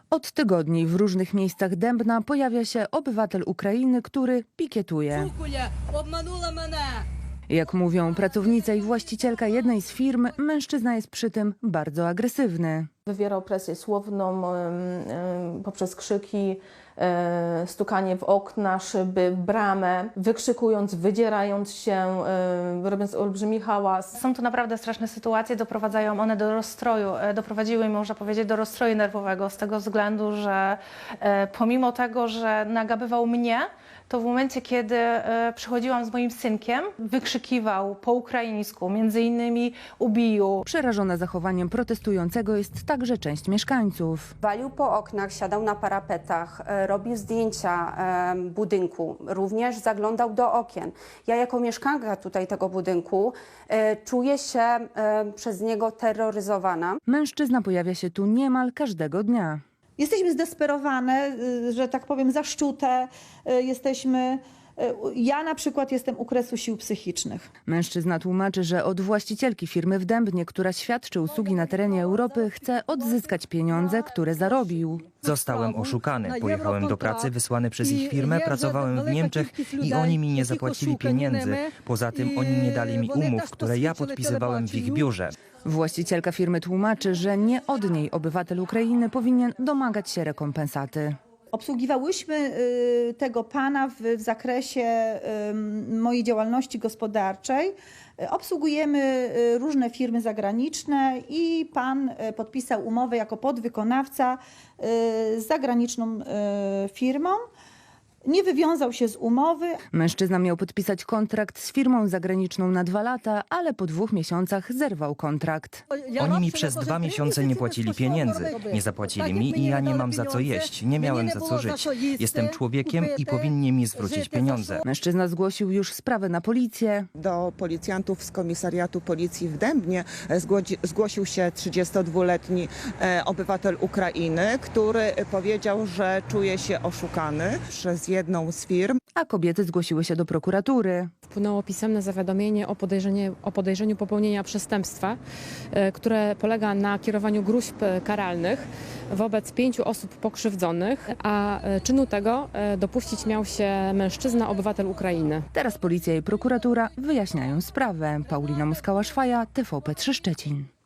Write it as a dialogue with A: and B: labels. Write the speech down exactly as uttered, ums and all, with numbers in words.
A: Od tygodni w różnych miejscach Dębna pojawia się obywatel Ukrainy, który pikietuje. Jak mówią pracownica i właścicielka jednej z firm, mężczyzna jest przy tym bardzo agresywny.
B: Wywierał presję słowną poprzez krzyki, stukanie w okna, szyby, bramę, wykrzykując, wydzierając się, robiąc olbrzymi hałas.
C: Są to naprawdę straszne sytuacje, doprowadzają one do rozstroju, doprowadziły, można powiedzieć, do rozstroju nerwowego z tego względu, że pomimo tego, że nagabywał mnie, to w momencie, kiedy przychodziłam z moim synkiem, wykrzykiwał po ukraińsku, między innymi ubiju.
A: Przerażona zachowaniem protestującego jest także część mieszkańców.
D: Walił po oknach, siadał na parapetach, robił zdjęcia budynku, również zaglądał do okien. Ja jako mieszkanka tutaj tego budynku czuję się przez niego terroryzowana.
A: Mężczyzna pojawia się tu niemal każdego dnia.
E: Jesteśmy zdesperowane, że tak powiem, zaszczute. Jesteśmy, ja na przykład jestem u kresu sił psychicznych.
A: Mężczyzna tłumaczy, że od właścicielki firmy w Dębnie, która świadczy usługi na terenie Europy, chce odzyskać pieniądze, które zarobił.
F: Zostałem oszukany. Pojechałem do pracy wysłany przez ich firmę, pracowałem w Niemczech i oni mi nie zapłacili pieniędzy. Poza tym oni nie dali mi umów, które ja podpisywałem w ich biurze.
A: Właścicielka firmy tłumaczy, że nie od niej obywatel Ukrainy powinien domagać się rekompensaty.
E: Obsługiwałyśmy tego pana w, w zakresie mojej działalności gospodarczej. Obsługujemy różne firmy zagraniczne i pan podpisał umowę jako podwykonawca z zagraniczną firmą. Nie wywiązał się z umowy.
A: Mężczyzna miał podpisać kontrakt z firmą zagraniczną na dwa lata, ale po dwóch miesiącach zerwał kontrakt.
F: Oni mi przez dwa miesiące nie płacili pieniędzy. Nie zapłacili mi i ja nie mam za co jeść. Nie miałem za co żyć. Jestem człowiekiem i powinni mi zwrócić pieniądze.
A: Mężczyzna zgłosił już sprawę na policję.
G: Do policjantów z komisariatu policji w Dębnie zgłosił się trzydziestodwuletni obywatel Ukrainy, który powiedział, że czuje się oszukany przez jedną z firm.
A: A kobiety zgłosiły się do prokuratury.
H: Wpłynęło pisemne zawiadomienie o, podejrzenie, o podejrzeniu popełnienia przestępstwa, które polega na kierowaniu gróźb karalnych wobec pięciu osób pokrzywdzonych, a czynu tego dopuścić miał się mężczyzna, obywatel Ukrainy.
A: Teraz policja i prokuratura wyjaśniają sprawę. Paulina Muskała-Szwaja, T V P trzy Szczecin.